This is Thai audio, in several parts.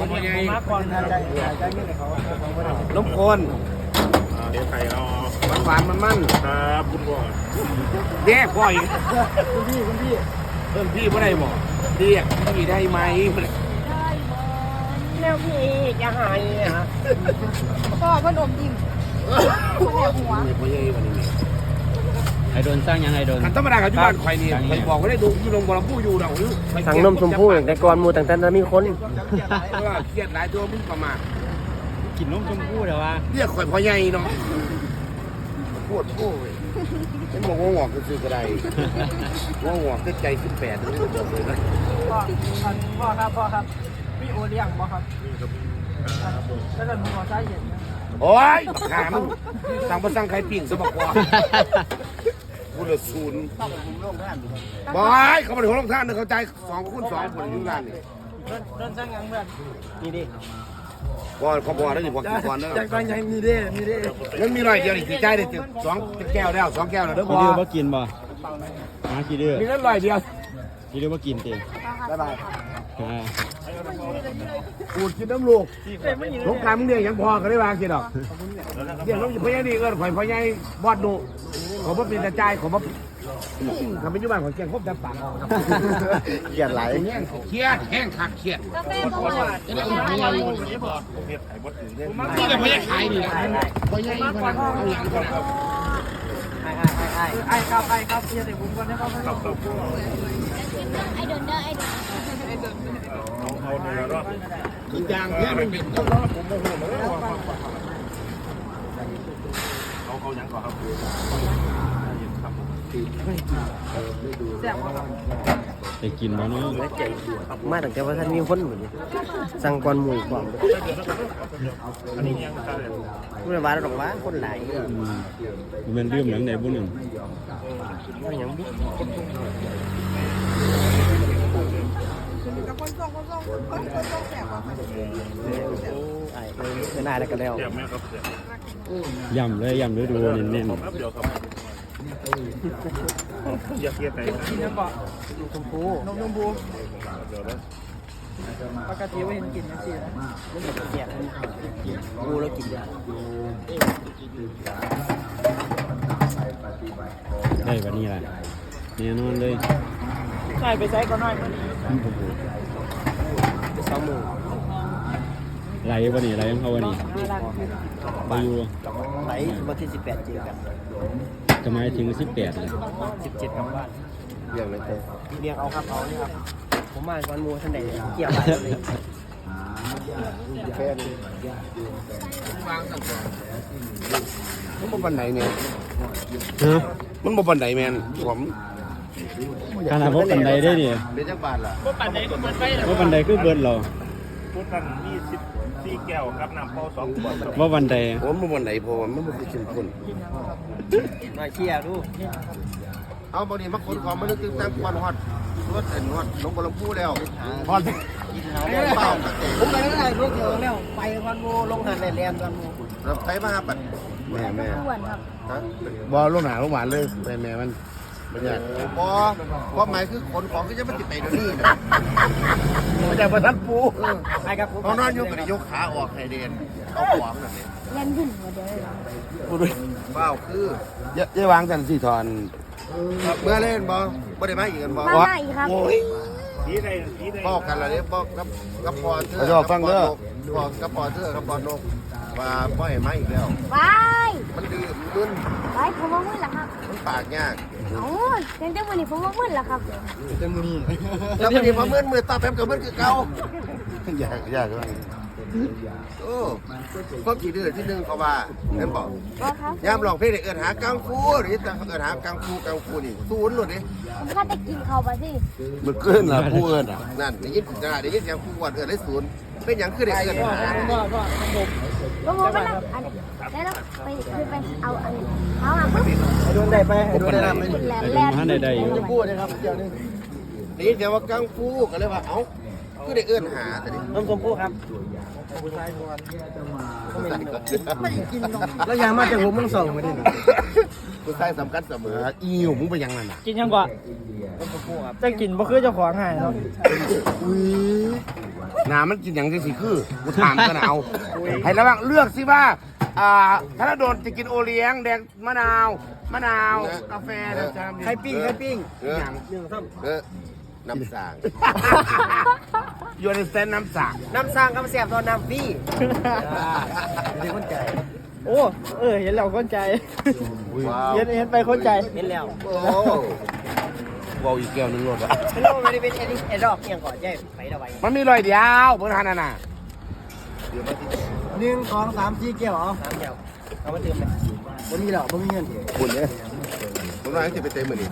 พ่อใหญ่มาก่อนใจเย็นเลยเขาล้มคนเดี๋ยวไข่เราหวานมันครับคุณพ่อเด้พ่ออีกคุณพี่เพิ่มพี่ไม่ได้หมอเรียกพี่ได้ไหมแล้วพี่จะหายฮะก็เพิ่นอมยิ้มแหลกหัวพ่อใหญ่วันนี้ไอโดนสร้างยังไอโดนขันธรรมดากับยุบานไข่นี่ไข่บอกว่าได้ดูยูลงบอลผู้อยู่เราสั่งนมชมพู่แต่ก่อนมูต่างๆมีคนก็เครียดหลายตัวมึงประมาทกินนมชมพู่เดี๋ยวว่าเรียกข่อยพ่อใหญ่เนาะพูดฉันบอกว่าหงอกก็คือกระไดว่าหงอกใจ18นี่มันบอกเลยนะพ่อครับพี่โอเลี้ยงบ่ครับแล้วก็มีหัวใจเย็นโอ้ยบักขามึงสั่งมาสั่งไข่ปิ้งสมักว่ากูเหลือศูนย์บอยเขามาถึงโรงท่านเนี่ยเขาใจ2 คูณ 2คนอยู่ร้านนี่โดนสั่งยังเพื่อนนี่ดิบอยเขาบอกได้ดิบอกกี่ก่อนเด้อจากตอนยังมีเด้ยังมีหน่อยเดียวนี่สิใจได้ถึง2 แก้วแล้ว2 แก้วแล้วเด้อกี่บอเดือย บ่กินบ่หากี่เดือมีนั้นหน่อยเดียวกี่เดือบ่กินเต็มบ๊ายบายอ่าอูดกินน้ำลูกสงครามมึงเรียกยังพอก็ได้วางกินดอกเรียกน้องพ่อใหญ่นี่เอิ้นข่อยพ่อใหญ่บอดดูขอบ่เป็นตาใจขอบ่ทำเป็นยุบานของเกียงครบแต่ปากเกียดไหลเครียดแห้งคักเครียดกาแฟบ่หวานนี่แต่พ่อใหญ่ขายนี่นะพ่อใหญ่พนักเอาหลังก่อนนะไอ้ครับเสียแต่ผมก่อนนะครับไอเดินเด้อไอเดินเอาเนี่ยแล้วเนาะทุกอย่างเพื่อนมันเป็นต้นเขายังก่อนครับแซ่บบ่ครับได้กินบ่เนาะมาตั้งแต่ว่าท่านมีคนเหมือนสั่งก่อนหมู่ก่อนอันนี้ยังทานเลยผู้ใดว่าดอกว่าคนหลายมันเรื่องหนังไหนบ่หนึ่งอย่างบุ ไอ้ไม่น่าแล้วก็แล้วเดี๋ยวแม่ครับเดี๋ยวย่ำเลยย่ำเลยดูเน้นครับเดี๋ยวครับอยากเกียร์ไหนเนี่ยก็ชมพูนมชมพูเดี๋ยวนะปกติว่าเห็นกินนะสินะไม่เห็นเกียดกูแล้วกินยาๆได้วันนี้แหละแน่นอนเลยใช่ไปใช้ก็น้อยมัน 20,000ไหลวันนี้ไหลของเขาวันนี้ 5 ล้านไปอยู่ไหลวันที่18เจอกันจะหมายถึง18เลย 17กลับบ้านเรื่องอะไรเต้เรียงเอาครับเอานี่ครับผมมาวันมูท่านใดเกี่ยวอะไรเลยแค่นี้วางสั่งก่อนมันบ่บันไดเนี่ยฮะมันบ่บันไดแมนผมขนาดว่าบันไดได้ดิเป็นจังบาทล่ะว่าบันไดคือเบิดเราพูดกัน24 แก้วครับน้ำเปล่า2 ขวดว่าบันไดผมบ่บันไดเพราะว่ามันบ่คือเข้มข้นมาเกี่ยวดูเอาบางทีมาขนของมานึกถึงตั้งควันฮอดรถเอ็นฮอดลงบอลพูแล้วฮอดเรื่องเปล่าผมไปได้รถเดียวแล้วไปวันมูลงหันในแลนวันมูเราไปมาปัดแม่อ้วนครับบอลลูกหนาลูกหวานเลยแม่มันไม่ใช่บอความหมายคือขนของก็จะมาติดไปเดี๋ยวนี้นะไม่ใช่ประทัดปูไอ้ครับเขานอนอยู่กับยกขาออกให้เด่นเอาของนั่นเองเล่นขึ้นหัวเดียวเลยว้าวคือเยอะวางกันสี่ทอนเมื่อเล่นบอบ่ได้มาอีกกันบอมาได้อีกครับโอ้ยสีใดสีใดบอกกันละเนี่ยบอกกับปอเธอบอกกับปอเธอกับปอนกว่าบ่ให้มาอีกแล้ววายมันดื้อมึนวายผมว่ามึนละครับมันปากยากเอ้าจังจังวันนี้ผมว่ามึนละครับแล้วมันนี่มามึนมือตาแป๊บกับมึนคือเก่ายากเลยโอ้ก็กี่เดือนที่หนึ่งเขาว่าเห็นบอกก็ครับยามลองเพลงเอินหากังฟูหรือแต่เอินหากังฟูนี่ศูนย์หลุดดิผมข้าจะกินข้าวไปสิมันเกินละผู้เอินอ่ะนั่นได้ยินได้ยินเสียงผู้วัดเอินได้ศูนย์เป็นอย่างคือได้เอินหาก็ผมก็นั่งอันแล้วไปเอาอันเอาอ่ะปุ๊บโดนได้ไปโดนได้ไหมขึ้นแลนไอ้แลโดนนมาได้อยู่จะพูดนะครับเกี่ยวนี่ได้ยินเสียงว่ากังฟูก็เลยว่าเอ้าคือได้เอินหาแต่นี่นมชมพู่ครับไม่กินหรอกแล้วยางมาจากผมมึงส่งมาดิผู้ชายสำคัญเสมออีหิวมึงไปยังนั่นอ่ะกินยังก่อนนมชมพู่ครับจะกินบ่คือเจ้าของหายเนาะอุ้ยหนามันกินอย่างที่สิคือกูถามกันเอาให้ระวังเลือกสิว่าธนดลจะกินโอเลี้ยงแดงมะนาวกาแฟนะจ๊ะไข่ปิ้งอย่างน้ำสางยูนิเซนน้ำสากน้ำสร้างกำเสียบตอนน้ำฟี่เป็นคนใจโอ้เห็นแล้วคนใจว้าวเห็นไปคนใจเห็นแล้วโอ้วอลอีกแก้วนึงรถไม่รู้ไม่ได้เป็นไอ้ดอกเกียงก่อนใช่ไปเท่าไหร่มันมีรอยเดียวบนทานน่ะ 1 2 3 4เกี่ยว3เกี่ยวเอามาเติมเลยบ่มีหรอกบ่มีเงินคุณเนี่ยผมว่าจะไปเต็มมือนี่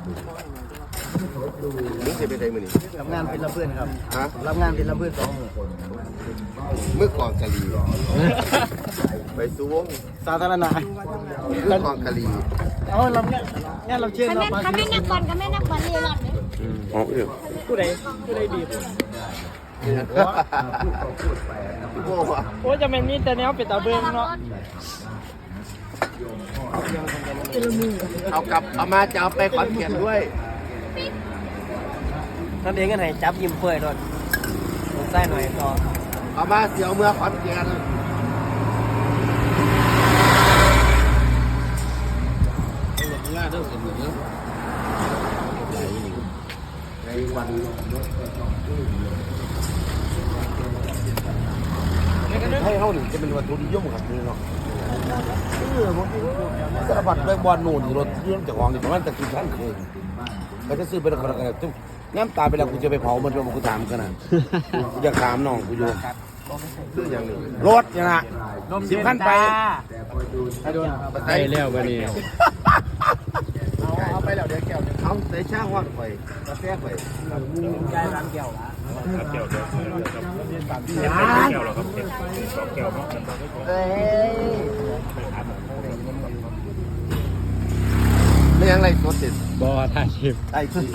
มึงจะไปเต็มมือนี่รับงานเป็นลำเพื่อนครับฮะรับงานเป็นลำเพื่อน2 มื้อมือกองกะลีไปสู้วงสาธารณะมือกองกะลีเอารับงานรับเชิญคันแม่นักบอลก็แม่นักบอลเลยหลอดเลยอ๋อเออผู้ใดดีโอ้ว่ะโอ้จะเป็นมีแต่แนวเป็นตาเบิ้งเนาะเอามาจะเอาไปขอนแก่นด้วยนั่นเองกันไหนจับยิ้มเปื่อยโดนใส่หน่อยต่อเอามาเสียวเมื่อขอนแก่นให้เขาหนึ่งจะเป็นวัตถุนิยมครับนี่เนาะสารพัดแบงบอลนู่นรถเรื่องจากของนี่ประมาณตะกี้ท่านเคยก็จะซื้อไปแล้วก็จุ๊บน้ำตาไปแล้วกูจะไปเผามันเป็นกูถามกันนะกูจะถามน้องกูอยู่ซื้ออย่างนี้รถเนี่ยนะ10 ขั้นไปไปแล้ววันนี้เอาไปแล้วเดี๋ยวแก้วเอาใส่ช่างว่างไปกาแฟไปยายร้านแก้วละครับแก้วเดียวแก้วเหรอครับแก้วเนาะเอ้ยไม่ยังไรสดเด็ดบอถ่ายคลิปไอ้ที่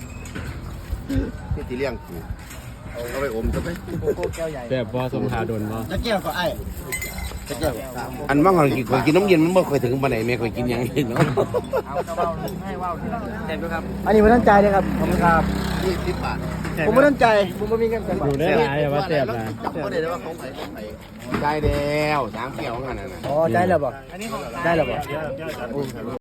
ที่เลี้ยงกูเอาไปอมจะไหมโกโก้แก้วใหญ่แต่บอสมทาดนบอแล้วแก้วก็ไอ้แก้วอันว่างเรากินน้ำเย็นมันไม่เคยถึงปานไหนแม่เคยกินอย่างนี้เนาะให้ว่าวเต็มด้วยครับอันนี้ไม่ตั้งใจเลยครับขอบคุณครับ 20 บาทผมไม่ตั้งใจผมไม่มีเงินกันดูได้หลายว่าเจ็บนะจับก็ได้ว่าของไหนของไหนได้แล้ว3 แก้วงั้นน่ะอ๋อได้แล้วบ่ได้แล้วบ่